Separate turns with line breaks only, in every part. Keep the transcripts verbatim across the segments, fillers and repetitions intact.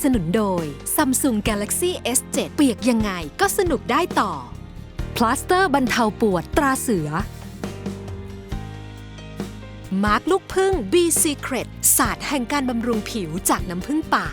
สนุนโดย Samsung Galaxy เอส เซเว่น เปียกยังไงก็สนุกได้ต่อ พลาสเตอร์บรรเทาปวดตราเสือ มาร์คลูกพึ่ง B Secret ศาสตร์แห่งการบำรุงผิวจากน้ำผึ้งป่า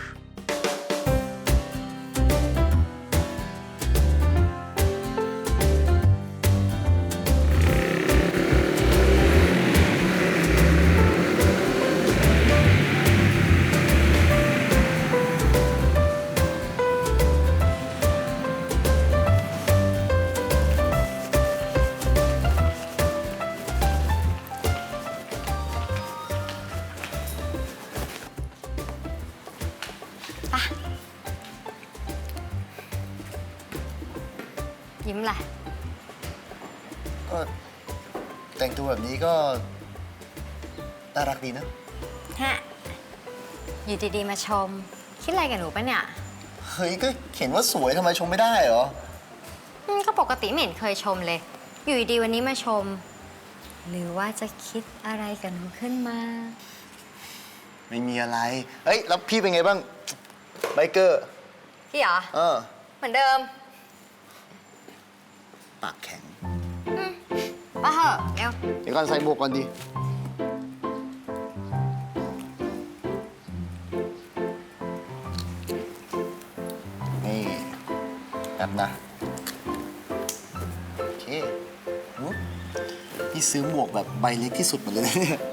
ยิ้มแหละ
ก็แต่งตัวแบบนี้ก็น่ารักดีนะ
ฮะอยู่ดีๆมาชม คิดอะไรกับหนูปะเนี่ย
เฮ้ยก็เขียนว่าสวยทำไมชมไม่ได้เหรอ
อืมก็ปกติไม่เห็นเคยชมเลย อยู่ดีๆวันนี้มาชม หรือว่าจะคิดอะไรกับหนูขึ้นมา
ไม่มีอะไรเฮ้ยแล้วพี่เป็นไงบ้างไบเกอร์
พี่เหรอ
เออ
เหมือนเดิม
ปากแข็ง
มาเหอะเร็ว
เดี๋ยวก่อนใส่หมวกก่อนดินี่แบบนะโอเคอุ๊ยพี่ซื้อหมวกแบบใบเล็กที่สุดมาเลยนะเนี่ย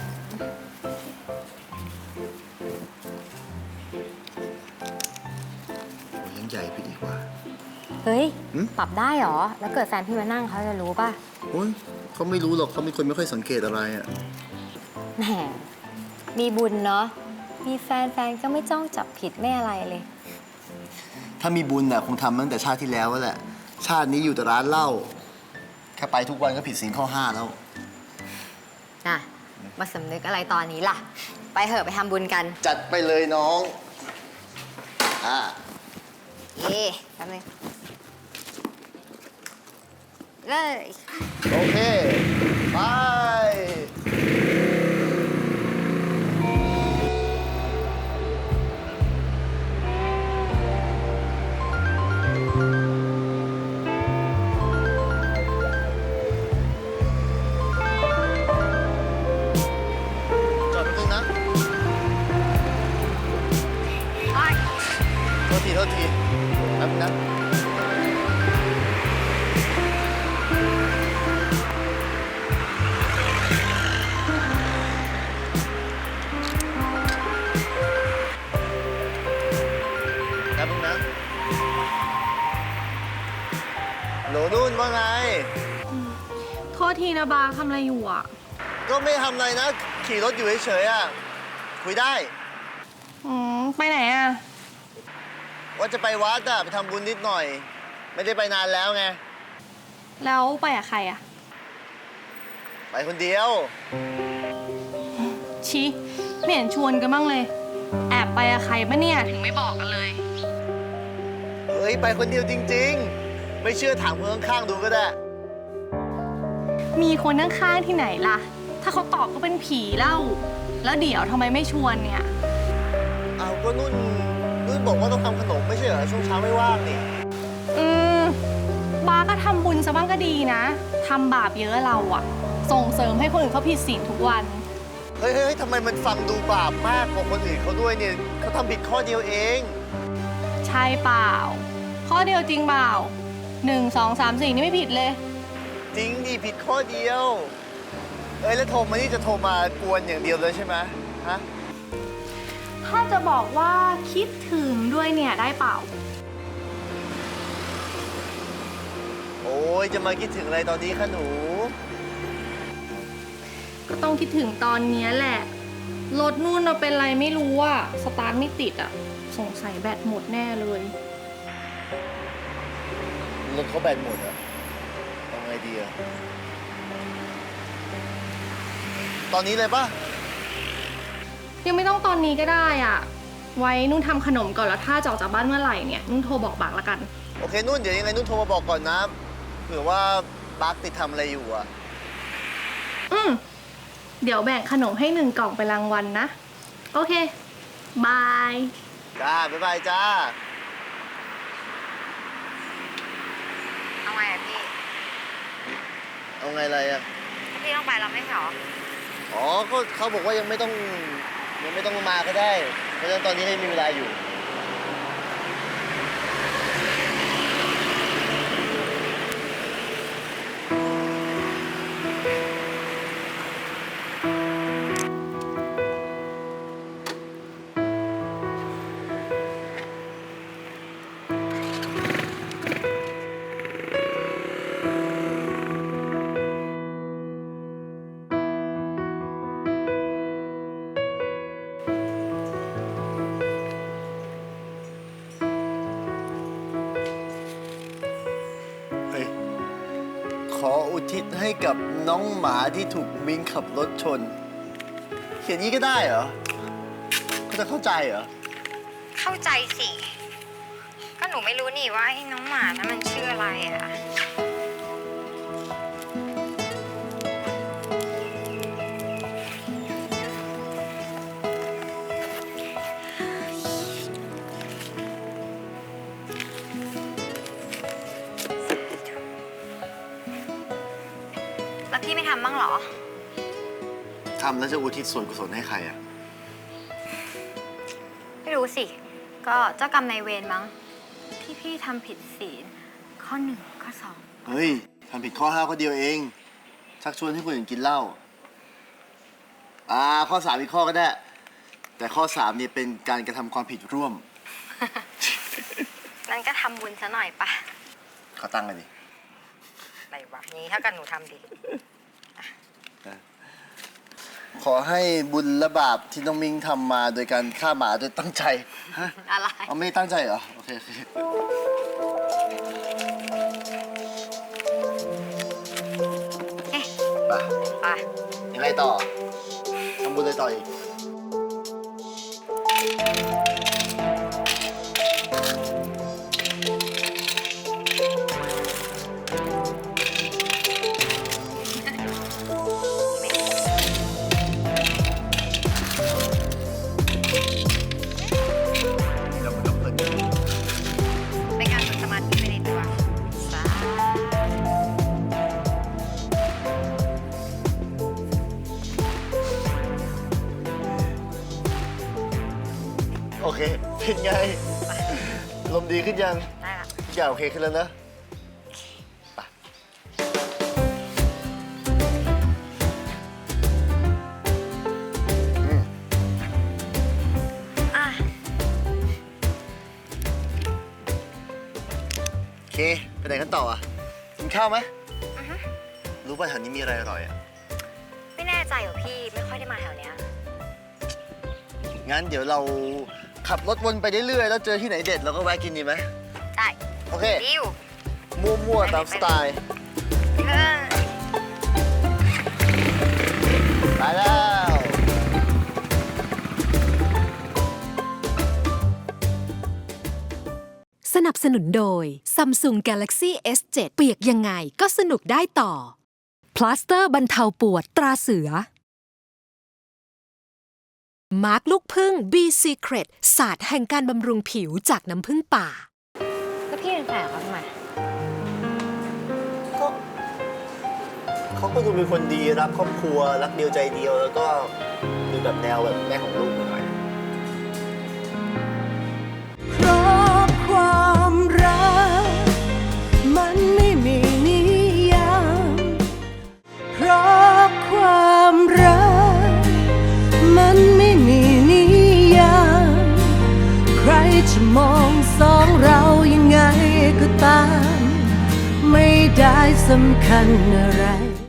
โอ้ยยังใหญ่ไปดีกว่า
เฮ้ย
หืม
ปรับได้เหรอ แล้วเกิดแฟนพี่มานั่งเขาจะรู้ป่ะ
โอ้ยเขาไม่รู้หรอกเขาเป็นคนไม่ค่อยสังเกตอะไรอ่ะ
แหม มีบุญเนาะ มีแฟนแฟนก็ไม่จ้องจับผิดไม่อะไรเลย
ถ้ามีบุญน่ะคงทำตั้งแต่ชาติที่แล้วแหละ ชาตินี้อยู่แต่ร้านเหล้าแค่ไปทุกวันก็ผิดศีลข้อห้าแล้ว
น่ะ มาสำนึกอะไรตอนนี้ล่ะ ไปเหอะไปทำบุญกัน
จัดไปเลยน้องอ่า
เย่แป๊บนึงเลย
โอเค ไป จอดแป๊บนึงนะ โทษที โทษทีแป๊บนึงนะ แป๊บนึงนะโหลนุ่นว่าไง
โทษทีนะบาทำอะไรอยู่อ่ะ
ก็ไม่ทำอะไรนะ ขี่รถอยู่เฉยๆอ่ะ คุยได้
อืม ไปไหนอ่ะ
ว่าจะไปวัดอ่ะ ไปทำบุญนิดหน่อย ไม่ได้ไปนานแล้วไง
แล้วไปกับใครอ่ะ
ไปคนเดียว
ชิไม่เห็นชวนกันบ้างเลย แอบไปกับใครปะเนี่ย ถึงไม่บอกกันเลย
เฮ้ย ไปคนเดียวจริงๆ ไม่เชื่อถามคนข้างๆดูก็ได้
มีคนข้างๆที่ไหนล่ะ ถ้าเขาตอบก็เป็นผีเล่า แล้วเดี๋ยวทำไมไม่ชวนเนี่ย
เอาก็นุ่น นุ่นบอกว่าต้องทำขนมไม่ใช่เหรอ ช่วงเช้าไม่ว่างนี่
อืม บาก็ทำบุญซะบ้างก็ดีนะ ทำบาปเยอะเราอ่ะ ส่งเสริมให้คนอื่นเขาผิดศีลทุกวัน
เฮ้ยเฮ้ยทำไมมันฟังดูบาปมากกว่าคนอื่นเขาด้วยเนี่ยเขาทำผิดข้อเดียวเอง
ใช่เปล่า ข้อเดียวจริงเปล่าหนึ่งสองสามสี่นี่ไม่ผิดเลย
จริงดิผิดข้อเดียว เอ้ยแล้วโทรมานี่จะโทรมากวนอย่างเดียวเลยใช่ไหมฮะ
ถ้าจะบอกว่าคิดถึงด้วยเนี่ยได้เปล่า
โอ้ยจะมาคิดถึงอะไรตอนนี้คะหนู
ก็ต้องคิดถึงตอนเนี้ยแหละ รถนู่นเราเป็นไรไม่รู้อะสตาร์ทไม่ติดอะสงสัยแบตหมดแน่เลย
รถเขาแบตหมดอะเอาไงดีอะตอนนี้เลยปะ
ยังไม่ต้องตอนนี้ก็ได้อะไว้นุ่นทำขนมก่อนแล้วถ้าจะออกจากบ้านเมื่อไหร่เนี่ยนุ่นโทรบอกบากละกัน
โอเคนุ่นเดี๋ยวยังไงนุ่นโทรมาบอกก่อนนะเผื่อว่าบักติดทำอะไรอยู่อะ
อืมเดี๋ยวแบ่งขนมให้หนึ่งกล่องไปรางวัลนะ โอเค บาย
จ้า บ๊ายบายจ้า
เอาไงอะพี่
เอาไงอะไรอ่ะ
พี่ต้องไปเราไม่ใช่หรอ
อ๋อ ก็เขาบอกว่ายังไม่ต้องยังไม่ต้องมาก็ได้ เพราะฉะนั้นตอนนี้ให้มีเวลาอยู่ เฮ้ย ขออุทิศให้กับน้องหมาที่ถูกมิงขับรถชน เขียนนี้ก็ได้เหรอเขาจะเข้าใจเหรอ
เข้าใจสิ ก็หนูไม่รู้นี่ว่าไอ้น้องหมานั้นมันชื่ออะไรอะ แล้วพี่ไม่ทำบ้างเหรอ
ทำแล้วจะอุทิศส่วนกุศลให้ใครอ่ะ
ไม่รู้สิ ก็เจ้ากรรมนายเวรมั้ง ที่พี่ทำผิดศีลข้อหนึ่งข้อสอง
เฮ้ย ทำผิดข้อห้าข้อเดียวเอง ชักชวนให้คนอื่นกินเหล้า อ่า ข้อสามอีกข้อก็ได้ แต่ข้อสามเนี่ยเป็นการกระทำความผิดร่วม
นั่นก็ทำบุญซะหน่อยปะ
ขอตั้งกันดิ
อะไรวะนี้ถ้ากันหนูทำดิ
ขอให้บุญและบาปที่น้องมิงทำมาโดยการฆ่าหมาโดยตั้งใจ ฮะ
อะไร
เอาไม่ได้ตั้งใจเหรอ โอเคโอเค
เอ๊ะ
ไป
ไป
ยังไงต่อ ทำบุญอะไรต่ออีก เดี๋ยวมันก็เพลิน
เป็นการฝึกสมาธิไปในตัวสา
โอเค เป็นไง ลมดีขึ้นยัง
ได้ละ
ทุกอย่างโอเคขึ้นแล้วนะไป อืม
อ่ะ
โอเค ไปไหนกันต่ออ่ะ กินข้าวไหมรู้ป่ะแถวนี้มีอะไรอร่อยอ่ะ
ไม่แน่ใจเหรอพี่ ไม่ค่อยได้มาแถวเนี้ย
งั้นเดี๋ยวเราขับรถวนไปเรื่อยๆ แล้วเจอที่ไหนเด็ดเราก็แวะกินดีไหม
ได้
โอเค
ดิว
มั่วๆ ตามสไตล์
เออ
ไปแล้ว
สนับสนุนโดย Samsung Galaxy เอส เซเว่น เปียกยังไงก็สนุกได้ต่อ พลาสเตอร์บรรเทาปวดตราเสือ มาร์กลูกพึ่ง B Secret ศาสตร์แห่งการบำรุงผิวจากน้ำผึ้งป่า
แล้วพี่เป็นแฟนเขาทำไม
ก็เขาก็ดูเป็นคนดีรักครอบครัว รักเดียวใจเดียว แล้วก็ดูแบบแนวแบบแม่ของลูกหน่อย
เพราะความรักมันไม่มีนิยามเพราะความรักมันไม่มีนิยามใครจะมองสองเรายังไงก็ตามไม่ได้สำคัญอะไร